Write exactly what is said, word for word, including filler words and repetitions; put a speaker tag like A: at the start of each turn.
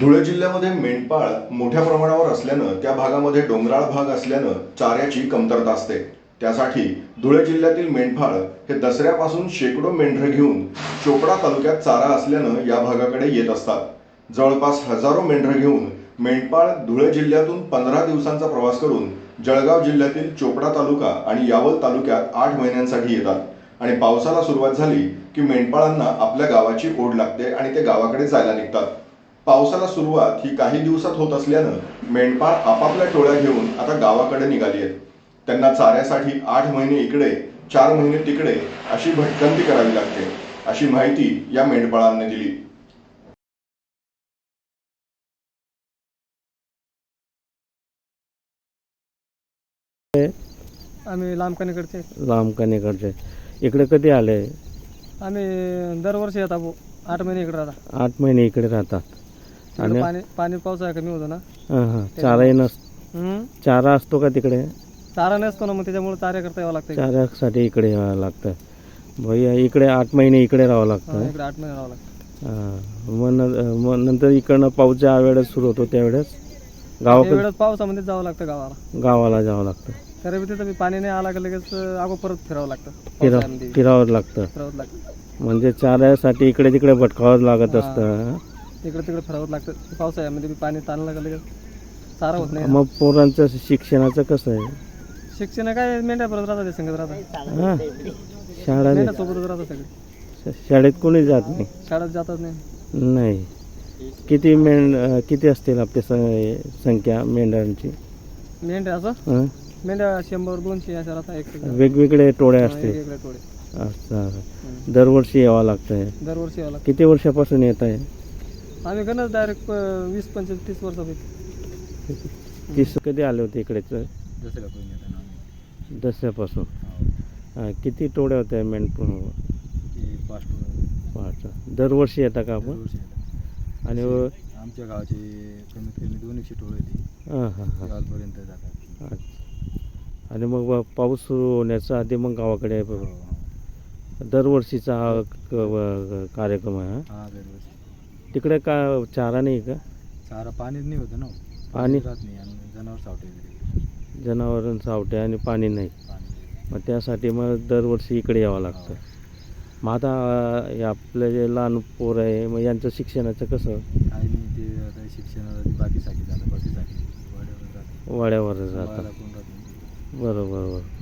A: धुळे जिल्ह्यामध्ये मेंढपाळ मोठ्या प्रमाणावर असल्यानं त्या भागामध्ये डोंगराळ भाग असल्यानं चाऱ्याची कमतरता असते. त्यासाठी धुळे जिल्ह्यातील मेंढपाळ हे दसऱ्यापासून शेकडो मेंढरं घेऊन चोपडा तालुक्यात चारा असल्यानं या भागाकडे येत असतात. जवळपास हजारो मेंढरं घेऊन मेंढपाळ धुळे जिल्ह्यातून पंधरा दिवसांचा प्रवास करून जळगाव जिल्ह्यातील चोपडा तालुका आणि यावल तालुक्यात आठ महिन्यांसाठी येतात आणि पावसाला सुरुवात झाली की मेंढपाळांना आपल्या गावाची ओढ लागते आणि ते गावाकडे जायला निघतात. पावसाला सुरुवात ही काही दिवसात होत असल्यानं मेंढपाळ आपापल्या टोळ्या घेऊन आता गावाकडे निघाली आहेत. त्यांना चाऱ्यासाठी आठ महिने इकडे चार महिने तिकडे अशी भटकंती करावी लागते, अशी माहिती या मेंढपाळांनी दिली.
B: आम्ही लांबकानीकडचे
C: लांबकानीकडचे इकडे कधी आले?
B: आम्ही दरवर्षी येतात भाऊ. आठ महिने इकडे राहतात.
C: आठ महिने इकडे राहतात
B: तिकडे
C: आणि
B: पाणी पाणी पावसाळा कमी होतो ना.
C: हां हां चाराही नस
B: हम्म.
C: चारा असतो का तिकडे?
B: चारा नसतो ना, मग त्याच्यामुळे चाऱ्या करता यावं लागतं.
C: चाऱ्यासाठी इकडे यावं लागतं. भैया इकडे आठ महिने इकडे राहावं लागतं.
B: इकडे आठ महिने राहावं लागतं.
C: हां मग न- मग नंतर इकडनं पाऊस ज्या वेळेस सुरू होतो त्यावेळेस गावाकडे
B: वेळेस पावसामध्ये जावं लागतं गावाला.
C: गावाला जावं लागतं.
B: तरी बी तिथं बी पाणी नाही आला की लगेच अगो परत फिरावं लागतं.
C: फिरा
B: पावसाळ्यामध्ये
C: फिरावं लागतं.
B: फिरावं लागतं.
C: म्हणजे चाऱ्यासाठी इकडे तिकडे भटकावं लागत असतं.
B: इकडे तिकडे फिरावं लागतं. पावसाळ्यामध्ये बी पाणी ताणलं का लगेच चारा होत नाही.
C: मग पोरांचं शिक्षणाचं कसं आहे?
B: शिक्षण काय मेंढ्या परत राहतात, ते संगत राहतात.
C: हां शाळा
B: मेंढ्या सोबतच राहतात सगळे.
C: शाळेत कोणी जात नाही?
B: शाळेत जातात नाही.
C: नाही. किती मेंढ किती असतील आपली स- संख्या मेंढ्यांची?
B: मेंढ्या असं
C: हं?
B: मेंढ्या शंभर दोनशे अशा राहतात. एक
C: वेगवेगळे टोळे असतील.
B: वेगवेगळे टोळे.
C: असं दरवर्षी यावं लागतंय.
B: दरवर्षी यावं लागतं.
C: किती वर्षापासून येत आहे?
B: आम्ही गणच डायरेक्ट वीस पंचवीस तीस वर्ष होईल.
C: तीस कधी आले होते इकडे? दसऱ्यापासून. हां किती टोळे होते मेंढ? पाच. दरवर्षी येता का आपण? आणि
D: आमच्या गावाची कमीत कमी दोन एकशे टोळ होती.
C: हां हां हां
D: गावापर्यंत जातात.
C: अच्छा. आणि मग पाऊस सुरू होण्याच्या आधी मग गावाकडे दरवर्षीचा हा क- व- कार्यक्रम आहे. हा?
D: हा दरवर्षी.
C: तिकडे का चारा नाही का?
D: चारा पाणीच नाही होतं ना.
C: पाणी
D: राहत नाही आणि जनावर सावटे वगैरे
C: जनावरां सावटे आणि पाणी नाही.
D: पाणी.
C: मग त्यासाठी मग दरवर्षी इकडे यावं लागतं. मग आता अं, हे आपले जे लहान पोर आहे मग यांचं शिक्षणाचं कसं?
D: काही नाही, ते आता शिक्षणाला बाकी साठी जातं, बाकी साठी वाड्यावर जातं.
C: वाड्यावर
D: वाड्याला
C: जातात.
D: कोण राहत नाही.
C: बरोबर बरोबर.